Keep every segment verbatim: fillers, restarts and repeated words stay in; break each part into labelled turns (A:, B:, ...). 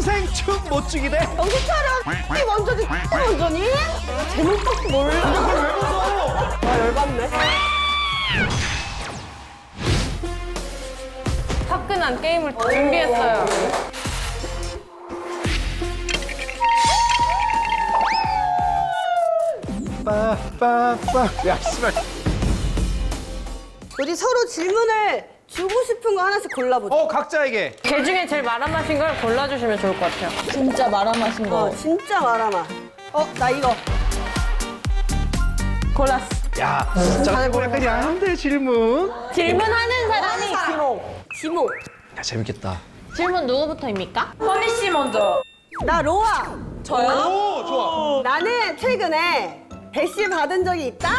A: 평생 춤 못 추기 대
B: 정신 차려. 이 먼저지, 먼저니? 제목밖에 몰라.
A: 그걸 왜 무서워?
B: 와, 열받네.
C: 화끈한 게임을 준비했어요.
A: 빠빠빠. 야, 씨발.
B: 우리 서로 질문을 주고 싶은 거 하나씩 골라보자.
A: 어, 각자에게.
C: 개 중에 제일 말아마신 걸 골라주시면 좋을 것 같아요.
D: 진짜 말아마신 거.
B: 어, 진짜 말아마. 어, 나 이거.
C: 골랐어.
A: 야, 진짜 약간 야한데 질문.
C: 질문하는 사람이
B: 지목. 지목.
A: 야, 재밌겠다.
C: 질문 누구부터입니까?
D: 허니 씨 먼저.
B: 나 로아.
D: 저요?
A: 오, 좋아.
B: 나는 최근에 대시 받은 적이 있다?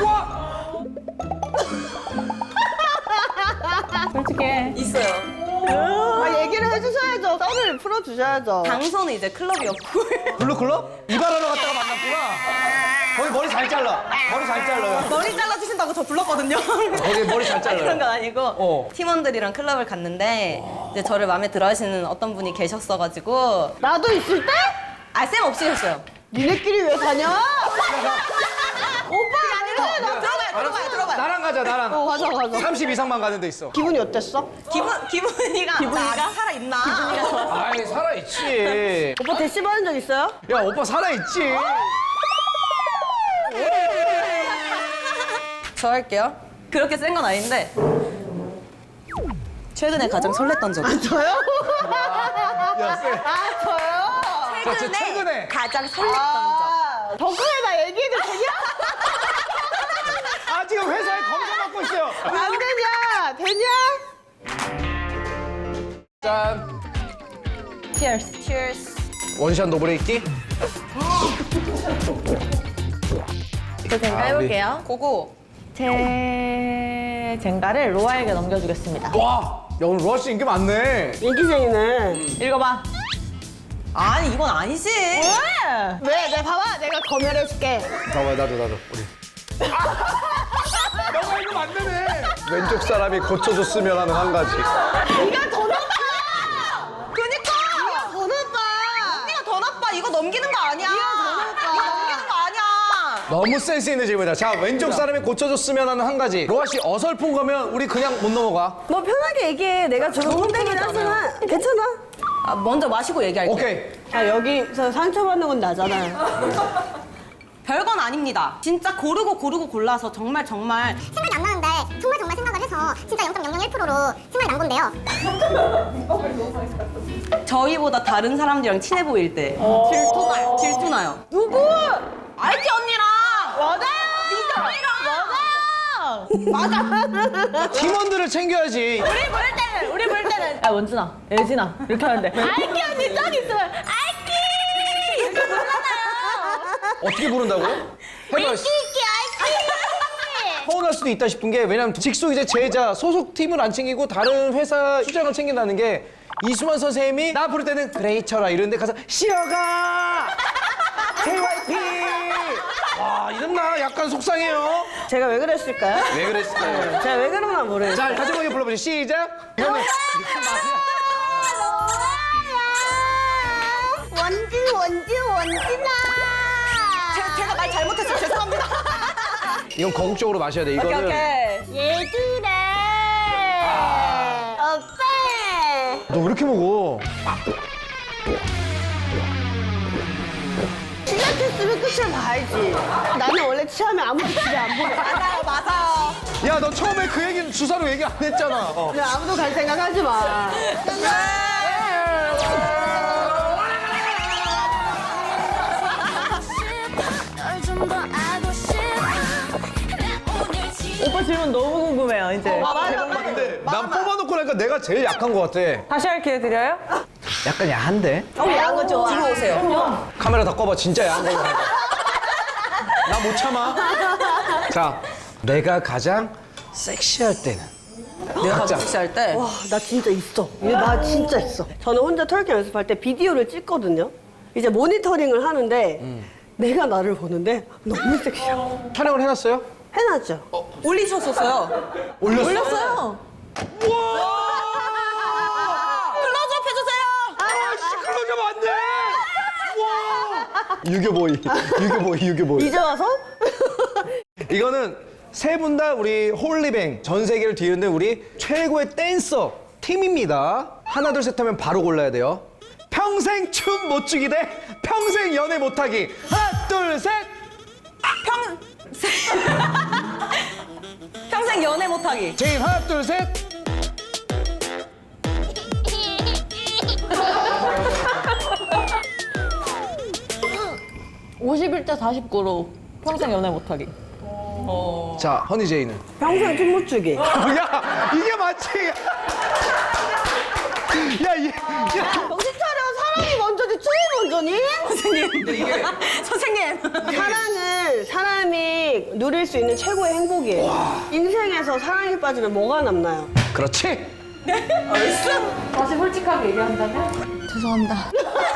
C: 솔직해.
D: 있어요.
B: 아, 얘기를 해주셔야죠. 썰을 풀어주셔야죠.
D: 장소는 이제 클럽이었고.
A: 블루클럽? 이발하러 갔다가 만났구나. 거기 머리 잘 잘라. 머리 잘 잘라요.
D: 머리 잘라주신다고 저 불렀거든요.
A: 거기 머리 잘 잘라요.
D: 그런 건 아니고
A: 어.
D: 팀원들이랑 클럽을 갔는데 이제 저를 마음에 들어 하시는 어떤 분이 계셨어가지고
B: 나도 있을 때?
D: 아, 쌤 없으셨어요.
B: 니네끼리 왜 가냐? 오빠 아니라 나
D: 들어봐요, 들어봐요, 들어봐요.
A: 나랑 가자, 나랑.
B: 어, 가자, 가자.
A: 삼십 이상만 가는 데 있어.
B: 기분이 어땠어?
D: 기분, 기분이가 기분이가 살아있나? 기분이가
A: 아이, 살아있지.
B: 오빠 대시 받은 적 있어요?
A: 야, 오빠 살아있지.
D: 저 할게요. 그렇게 센 건 아닌데 최근에 가장 설렜던 적.
B: 저요?
A: 야, 쎄.
B: 아, 저요?
A: 자, 저 최근에.
D: 가장 설렜던 적.
B: 아, 덕후에 나 얘기해도 되냐?
A: 아, 지금 회사에 검사받고 있어요.
B: 안 되냐? 되냐?
A: 짠.
D: Cheers. Cheers.
A: 원샷 노브레이키.
C: 저 젠가
A: 아,
C: 해볼게요.
D: 고고.
C: 제 젠가를 로아에게 넘겨주겠습니다.
A: 와, 야, 오늘 로아 씨 인기 많네.
B: 인기쟁이네.
C: 읽어봐.
D: 아니, 이건 아니지.
C: 왜?
B: 왜? 내가 봐봐. 내가 검열해줄게.
A: 봐봐, 나도, 나도. 우리. 너가 이거 안 되네. 왼쪽 사람이 고쳐줬으면 하는 한 가지.
B: 네가 더 나빠!
D: 그니까.
B: 네가 더 나빠!
D: 언니가 더 나빠. 이거 넘기는 거 아니야.
B: 네가 더 나빠.
D: 이거 넘기는 거 아니야.
A: 너무 센스 있는 질문이다. 자, 왼쪽 사람이 고쳐줬으면 하는 한 가지. 로아 씨 어설픈 거면 우리 그냥 못 넘어가.
B: 뭐 편하게 얘기해. 내가 저거 혼내긴 하지만 괜찮아.
D: 아, 먼저 마시고 얘기할게.
A: 오케이.
B: 아, 여기서 상처받는 건 나잖아요.
D: 별건 아닙니다. 진짜 고르고 고르고 골라서 정말 정말
E: 생각이 안 나는데 정말 정말 생각을 해서 진짜 영 점 영영일 퍼센트로 생각이 난 건데요.
D: 저희보다 다른 사람들이랑 친해 보일 때 질투나요. 질투나요.
B: 누구?
D: 알지 언니랑.
B: 맞아요!
D: 미정이랑.
B: 맞아!
A: 팀원들을 챙겨야지.
C: 우리 볼 때는, 우리 볼 때는. 아, 원준아, 예진아. 이렇게 하는데. 아이키 언니 딱 있으면, 아이키! 이렇게 부르잖아요.
A: 어떻게 부른다고요? 해봐. 서운할 수도 있다 싶은 게 왜냐면 직속 이제 제자 소속 팀을 안 챙기고 다른 회사 수장을 챙긴다는 게 이수만 선생님이 나 부를 때는 그래 이쳐라 이런데 가서 쉬어가 제이와이피 와 이런 나 약간 속상해요.
B: 제가 왜 그랬을까요?
A: 왜 그랬을까요?
B: 제가 왜 그런가 모르겠어요.
A: 자 다시 불러보죠. 시작. 이거는
E: 원진 원진 원진아.
D: 제, 제가 말 잘못했어요. 죄송합니다.
A: 이건 거국적으로 마셔야 돼.
D: 오케이
A: 이거는
D: 오케이.
E: 얘들아. 오빠.
A: 너 왜 이렇게 먹어?
B: 시작했으면 끝을 봐야지. 나는 원래 취하면 아무도 집에 안 보내.
D: 맞아요 맞아요.
A: 야 너 처음에 그 얘기는 주사로 얘기 안 했잖아. 어.
B: 그냥 아무도 갈 생각 하지 마.
C: 오빠 질문 너무 궁금해요, 이제.
A: 근데 난 뽑아놓고 나니까 내가 제일 약한 것 같아.
C: 다시 할 기회 드려요?
A: 약간 야한데?
B: 어, 야한 거 좋아.
D: 들어오세요.
A: 카메라 다 꺼봐. 진짜 야한 걸로. 나 못 참아. 자, 내가 가장 섹시할 때는.
D: 내가
A: 각자.
D: 섹시할 때.
B: 와, 나 진짜 있어. 이게 나 진짜 있어. 저는 혼자 털기 연습할 때 비디오를 찍거든요. 이제 모니터링을 하는데 내가 나를 보는데 너무 섹시해.
A: 촬영을 해놨어요?
B: 해놨죠?
D: 올리셨었어요.
A: 올렸어?
C: 올렸어요.
D: 클로즈업 해주세요.
A: 아, 씨, 클로즈업 안 돼! 유교보이, 유교보이, 유교보이.
B: 이제 와서?
A: 이거는 세 분 다 우리 홀리뱅 전 세계를 뒤흔든 우리 최고의 댄서 팀입니다. 하나 둘 셋 하면 바로 골라야 돼요. 평생 춤 못 추기 대 평생 연애 못하기. 하나 둘 셋.
D: 평 평생 연애 못하기.
A: 제임 하나 둘 셋.
C: 오십일 대 사십구로 평생 연애 못하기.
A: 자 허니 제이는.
B: 평생 춤 못 추기.
A: 야 이게 맞지? 야 이. 야.
B: 정신 차려. 사랑이 먼저지 춤이 먼저니?
D: 선생님. 선생님.
B: 사랑은 사람이 누릴 수 있는 최고의 행복이에요. 인생에서 사랑에 빠지면 뭐가 남나요?
A: 그렇지.
C: 다시 솔직하게 얘기한다면? 죄송합니다.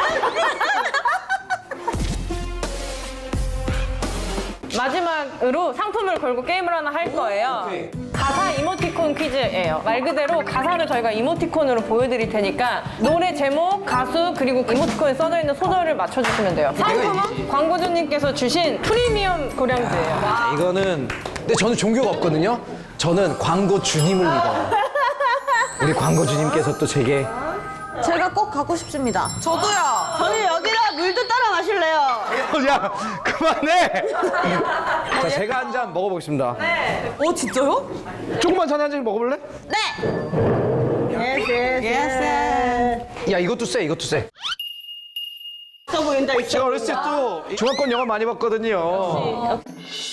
C: 마지막으로 상품을 걸고 게임을 하나 할 거예요. 가사 이모티콘 퀴즈예요. 말 그대로 가사를 저희가 이모티콘으로 보여드릴 테니까 노래 제목, 가수, 그리고 이모티콘에 써져 있는 소절을 맞춰주시면 돼요. 상품은 광고주님께서 주신 프리미엄 고량주예요.
A: 자, 이거는 근데 저는 종교가 없거든요. 저는 광고 주님을 믿어요. 우리 광고 주님께서 또 제게
C: 제가 꼭 갖고 싶습니다.
D: 저도요.
B: 저는 여기다 물도 따라 마실래요.
A: 야 그만해. 자 제가 한 잔 먹어보겠습니다.
D: 오 진짜요?
A: 조금만 전에 한 잔 먹어볼래?
B: 예스 예스.
A: 야 이것도 세 이것도 세.
B: 있어 보인다 있어.
A: 제가 어렸을 때 또 중화권 영화 많이 봤거든요.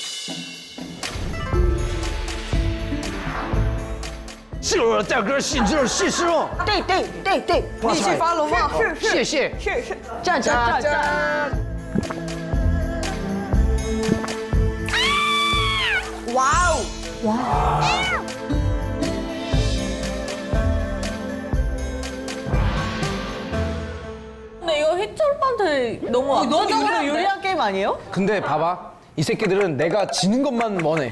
A: 싫어, 자 그럴 시절 시시로.
B: 땡땡땡땡.
A: 와, 잘.
B: 팔로워.
A: 谢谢.
B: 짠짠짠.
D: 와우.
C: 근데 이거 희철 오빠한테 너무 압도적으로 유리한 게임 아니에요?
A: 근데 봐봐, 이 새끼들은 내가 지는 것만 원해.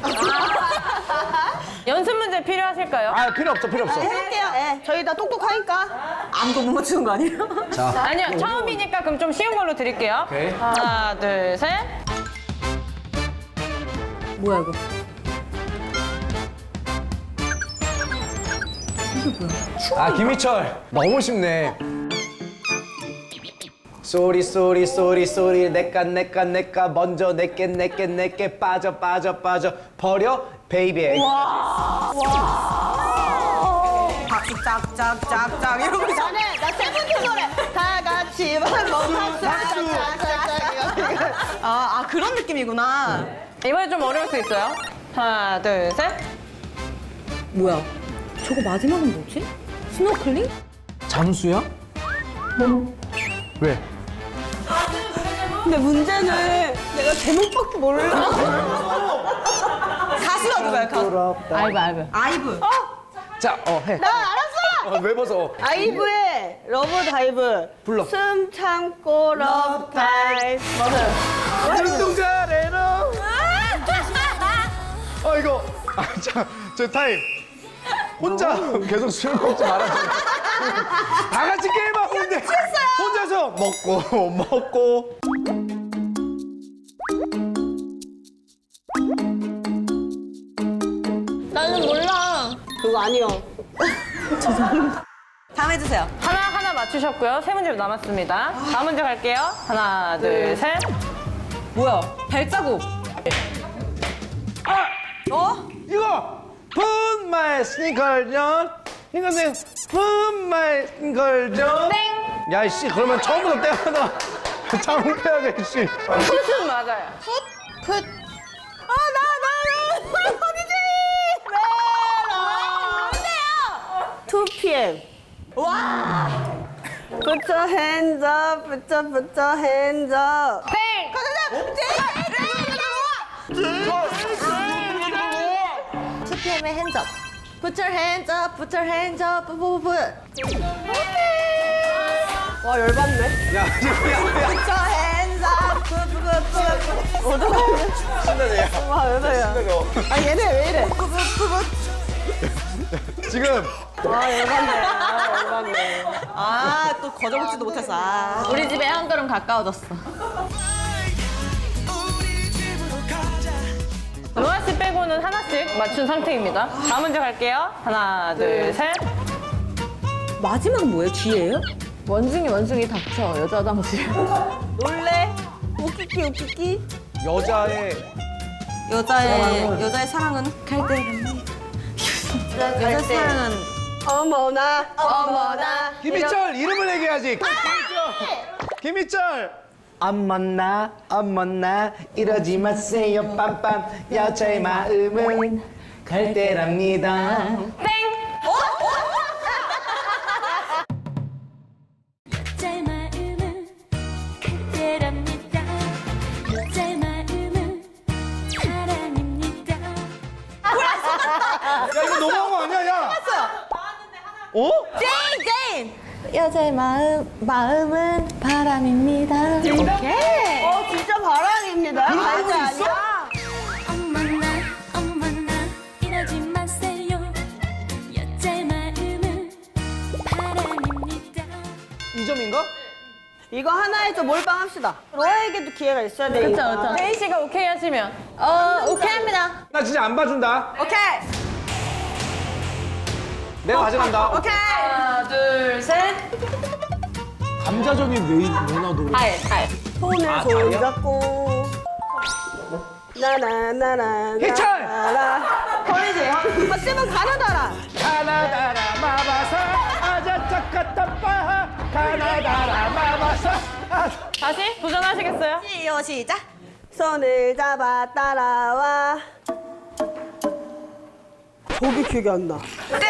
C: 연습 문제 필요하실까요?
A: 아 필요 없어, 필요 없어.
B: 해볼게요. 예. 저희 다 똑똑하니까.
D: 아무도 못 맞추는 거 아니에요?
A: 자,
C: 아니요, 처음이니까 그럼 좀 쉬운 걸로 드릴게요.
A: 오케이.
C: 하나, 둘, 셋.
D: 뭐야 이거?
A: 아 김희철 너무 쉽네. 쏘리 쏘리 쏘리 쏘리 내까 내까 내까 먼저 내게 내게 내게 빠져 빠져 빠져 버려 베이비.
D: 박수 짝짝짝짝 이러고 있어.
B: 나는 나 세븐틴 노래. 다 같이 박수 박수.
D: 아, 아 그런 느낌이구나.
C: 이번에 좀 어려울 수 있어요. 하나, 둘, 셋.
D: 뭐야? 저거 마지막은 뭐지? 스노클링?
A: 잠수야? 왜?
B: 근데 문제는 내가 제목밖에 몰라.
D: 가수가 누구야? 가수.
C: 알바, 알바.
D: 아이브.
A: 자, 어 해.
B: 나 알았어.
A: 어, 왜 벗어?
B: 아이브의 러브 다이브.
A: 불러.
B: 숨 참고 러브 다이브. 맞아요.
A: 눈동자래로. 어 이거 아자 저 타임. 혼자 계속 술 먹지 말아주세요. 다 같이 게임하고 있는데 혼자서 먹고 먹고.
C: 나는 몰라.
B: 그거 아니요.
D: 다음 해주세요.
C: 하나, 하나 맞추셨고요. 세 문제 남았습니다. 다음 문제 갈게요. 하나, 둘, 셋.
D: 뭐야? 발자국. 어?
A: 이거 Put my sneakers on. 이거는 Put my sneakers on.
C: 땡!
A: 야이씨 그러면 처음부터 떼어놔. 장패하게 씨.
C: 풋은 맞아요.
B: 풋. 아, 나, 나, 나. 어디지? 투 피엠. 와. Put your hands up, put your, put your hands up.
C: 땡!
B: 투 피엠의 hands up. Put your hands up, put your hands up, put, put, put. 와, 열받네.
A: 야 지금 야
B: Put your hands up, put, put, put, put. 어떡하냐?
A: 신나네요.
B: 와, 왜 그래요? 아, 얘네 왜 이래?
A: 지금
B: 와, 열받네. 아, 열받네.
D: 아, 또 거저먹지도 못했어. 아.
C: 우리 집에 한 걸음 가까워졌어. 노아 씨 빼고는 하나씩 맞춘 상태입니다. 다음 문제 갈게요. 하나, 둘, 셋.
D: 마지막은 뭐예요? 쥐예요?
C: 원숭이, 원숭이 닥쳐. 여자 당시.
B: 놀래? 웃기기 웃기기.
A: 여자의
D: 여자의 여자의 사랑은 갈대랍니다. 여자의 사랑은
B: 어머나 어머나.
A: 김희철 이름을 얘기해야지. 김희철. 김희철. 안 만나 안 만나 이러지 마세요 빰빰 여자의 마음은 갈대랍니다.
F: 여자의 마음은 그대랍니다. 여자의 마음은 사랑입니다.
A: 야 이거 너무한 거 아니야 야? 어?
D: 제인 제인. 여자의 마음 마음은 바람입니다. 오케이.
B: 어 진짜 바람입니다.
A: 그런 거
B: 아니야
A: 있어?
B: 아니야.
F: 어머나 어머나 이러지 마세요. 여자의 마음은 바람입니다.
A: 이 점인가?
B: 이거 하나에 좀 몰빵합시다. 로아에게도 기회가 있어야 되니까.
C: 그쵸, 그쵸. 혜인 씨가 오케이 하시면.
D: 어 오케이 합니다.
A: 나 진짜 안 봐준다.
B: 오케이.
A: 내가 가져간다.
B: 오케이.
C: 하나, 둘, 셋.
A: 감자전이 왜, 왜나 노래?
C: 달, 달.
B: 손을
A: 아,
B: 손
A: 다리야?
B: 잡고. 나나나나.
A: 희철!
B: 버리지. 맞으면 가나다라.
A: 가나다라 마바사 아자짜까따빠 가나다라 마바사 아.
C: 다시 도전하시겠어요?
D: 시요 시작.
B: 손을 잡아 따라와. 저기 기억이 안 나.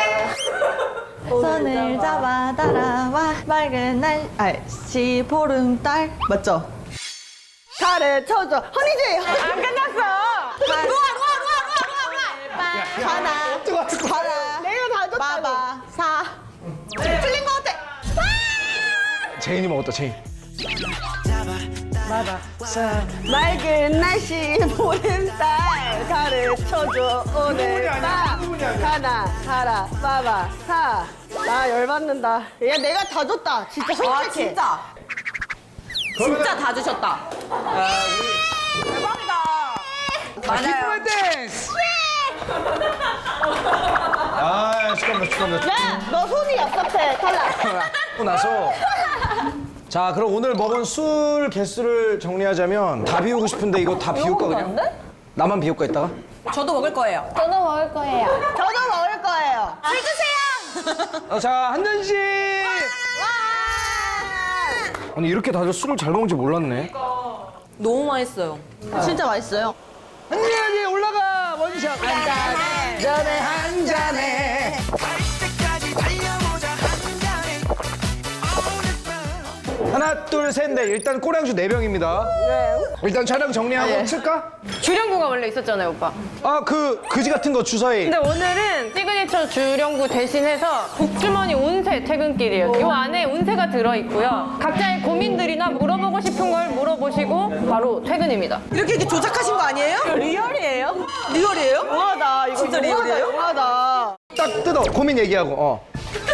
D: 손을 잡아 따라와 맑은 날씨 보름달 맞죠?
B: 가르쳐줘. 허니지.
C: 안 끝났어.
D: 루아 루아 루아 루아 루아 하나 하나
B: 내가 다 줬다고.
D: 마바 사 틀린 거 같아.
A: 제인이 먹었다 제인.
B: 맑은 날씨 보름달 가르쳐줘 오늘 밤 가나 가라 빠바 사나 열받는다. 야 내가 다 줬다 진짜
D: 아
B: 솔직히.
D: 진짜 진짜 다 주셨다.
A: 아, 기쁨의 댄스! 아, 축하합니다, 축하합니다.
B: 너 손이 얍삽해 탈락.
A: 하고 나서 자, 그럼 오늘 먹은 술 개수를 정리하자면 다 비우고 싶은데 이거 다 비울까 그냥? 나만 비울까 이따가?
D: 저도 먹을 거예요.
C: 저도 먹을 거예요.
B: 저도 먹을 거예요.
D: 술 주세요.
A: 어, 자, 한 잔씩! 아니, 이렇게 다들 술을 잘 먹는지 몰랐네.
D: 너무 맛있어요. 진짜 맛있어요.
A: 한 잔이 올라가! 원샷! 한 잔에, 잔에, 한 잔에. 하나, 둘, 셋, 넷. 일단 꼬량주 네 병입니다.
B: 네.
A: 일단 촬영 정리하고 칠까?
C: 주령구가 원래 있었잖아요, 오빠.
A: 아, 그, 그지 같은 거 주사위.
C: 근데 오늘은 시그니처 주령구 대신해서 복주머니 운세 퇴근길이에요. 이 안에 운세가 들어있고요. 각자의 고민들이나 물어보고 싶은 걸 물어보시고 바로 퇴근입니다.
D: 이렇게 이렇게 조작하신 거 아니에요?
B: 리얼이에요?
D: 리얼이에요?
B: 우하다 이거
D: 진짜
B: 우하다,
D: 리얼이에요?
B: 우하다.
A: 딱 뜯어. 고민 얘기하고, 어.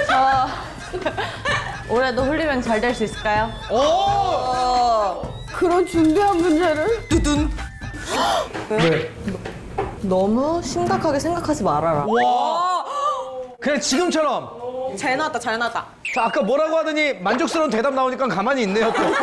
D: 올해도 홀리면 잘 될 수 있을까요?
A: 오!
B: 그런 중대한 문제를
D: 두둔.
A: 왜?
D: 너무 심각하게 생각하지 말아라.
A: 와! 그냥 지금처럼.
D: 잘 나왔다, 잘 나왔다.
A: 자, 아까 뭐라고 하더니 만족스러운 대답 나오니까 가만히 있네요, 또.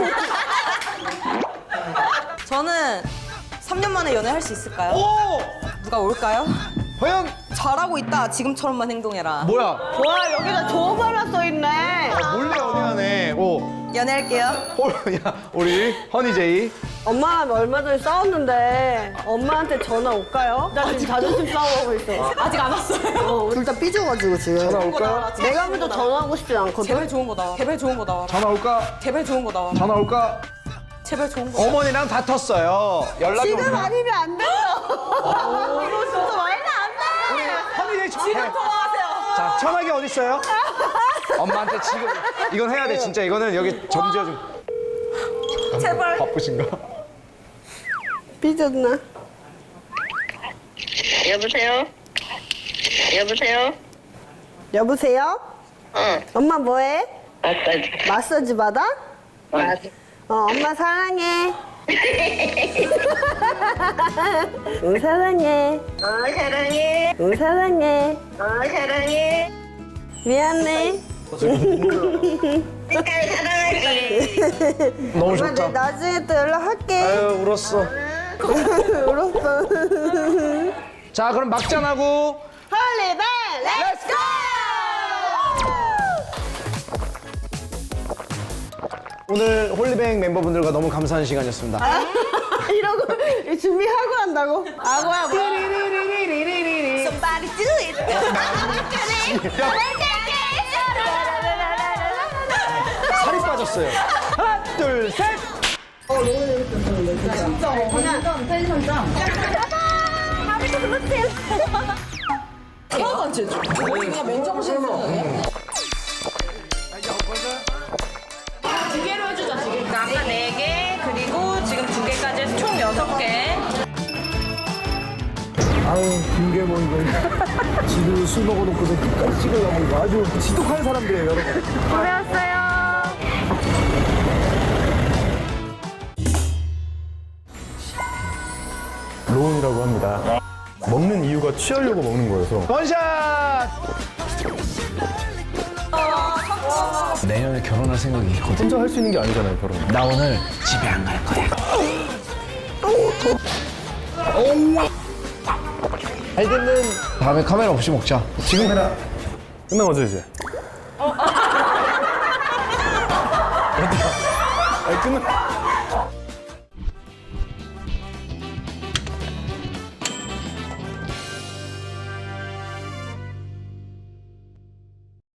D: 저는 삼 년 만에 연애할 수 있을까요?
A: 오!
D: 누가 올까요?
A: 과연,
D: 잘하고 있다. 지금처럼만 행동해라.
A: 뭐야?
B: 와 여기다 좋은 말 써있네.
A: 몰래 연애하네. 오.
D: 연애할게요.
A: 홀, 야, 우리 허니제이.
B: 엄마랑 얼마 전에 싸웠는데 엄마한테 전화 올까요? 나 지금 자존심 싸움하고 있어.
D: 아직 안 왔어요.
B: 어, 둘 다 삐져가지고 지금.
A: 전화 올까?
B: 내가 먼저 전화하고 싶지 않거든.
D: 제발 좋은 거 나와. 제발 좋은 거 나와.
A: 전화 올까?
D: 제발 좋은 거 나와.
A: 전화 올까?
D: 제발 좋은 거.
A: 어머니랑 다퉜어요. 연락이
B: 지금
A: 오면.
B: 아니면 안 돼요. 이거 진짜 말도 안 돼.
A: 허니제이 전화. 지금
D: 통화하세요.
A: 자, 전화기 어디 있어요? 엄마한테 지금 이건 해야 돼. 진짜 이거는 여기 점지어 좀.
D: 제발.
A: 바쁘신가?
B: 삐졌나?
G: 여보세요? 여보세요?
B: 여보세요?
G: 어,
B: 엄마 뭐해?
G: 마사지.
B: 마사지 받아?
G: 어,
B: 어, 엄마 사랑해. 응, 사랑해.
G: 어, 사랑해.
B: 응, 사랑해.
G: 어, 사랑해.
B: 미안해.
G: 끝까지 사랑할게.
A: 너무
B: 엄마, 내
A: 좋다.
B: 나중에 또 연락할게.
A: 아유, 울었어.
B: 울었어.
A: 자, 그럼 막잔하고
B: 홀리뱅, 렛츠고!
A: 오늘 홀리뱅 멤버분들과 너무 감사한 시간이었습니다.
B: 이러고 준비하고 한다고? 하고 하고. Somebody do it.
A: 살이 빠졌어요. 하나, 둘, 셋.
C: 두 개로 해주자, 지금. 아까 네 개, 그리고 지금 두 개까지 해서 총 여섯 개.
H: 아우 김계모 이거 지금 술 먹어놓고서 끝까지 찍으려고 이거 아주 지독한 사람들이에요 여러분.
C: 고생하셨어요.
H: 로운이라고 합니다. 먹는 이유가 취하려고 먹는 거여서.
A: 원샷. 내년에 결혼할 생각이 있거든.
H: 혼자 할 수 있는 게 아니잖아요 결혼.
A: 나 오늘 집에 안 갈 거야. 알겠는 다음에 카메라 없이 먹자.
H: 지금 해라. 끝나가죠 이제.